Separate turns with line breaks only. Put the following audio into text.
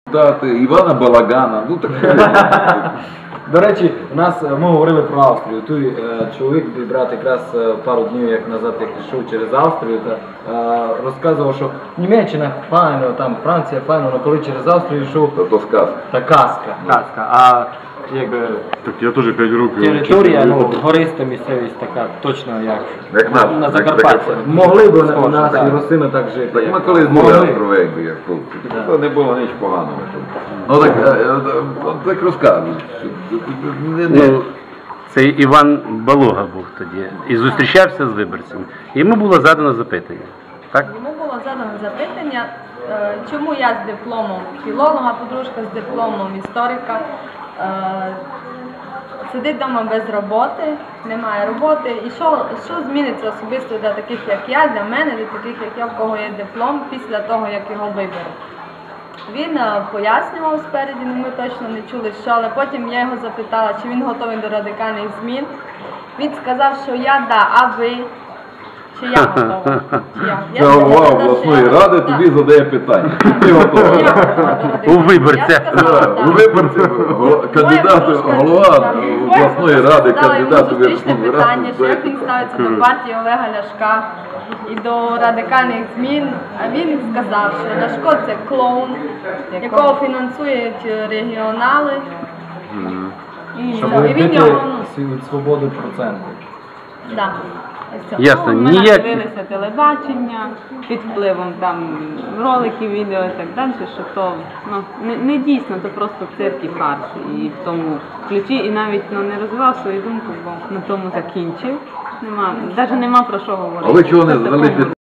Івана Балагана, ну так.
До речі, ми говорили про Австрію. Той чоловік, мій брат, якраз пару днів як назад як йшов через Австрію, розказував, що Німеччина файно, там Франція файно, але коли через Австрію йшов,
То сказка.
та казка. А якби
Так я теж 5 років.
територія, гориста місцевість така, точно як на Закарпатті.
Як
Могли б у нас і Росини так жити.
Так ми колись були островенькі, як хлопці. То не було нічого поганого. Ну так розказують.
Ну, це Іван Балога був тоді і зустрічався з виборцями. Йому було задано запитання. Так?
Йому було задано запитання, чому я з дипломом філолога, подружка з дипломом історика, сидить вдома без роботи, немає роботи, і що зміниться особисто для таких, як я, для мене, для таких, як я, в кого є диплом, після того, як його виберуть. Він пояснював спереді, ми точно не чули, що, але потім я його запитала, чи він готовий до радикальних змін. Він сказав, що я, да, а ви? Чи я готова?
Це голова обласної ради тобі задає питання. Ти готова?
У виборця.
У виборці голова обласної ради, кандидат у Верховну
питання, що як
Раду.
він ставиться до партії Олега Ляшка і до радикальних змін. А він сказав, що Ляшко це клоун, якого фінансують регіонали.
Щоб
І він
вбити
його,
свободу проценту.
да.
Ясно,
Ми
ніяк.
дивилися телебачення під впливом там роликів, відео і так далі, що то не дійсно, то просто цирк і фарс. І в тому ключі, і навіть не розвивав свою думку, бо на тому закінчив. Навіть нема про що говорити.
А ви чого не звели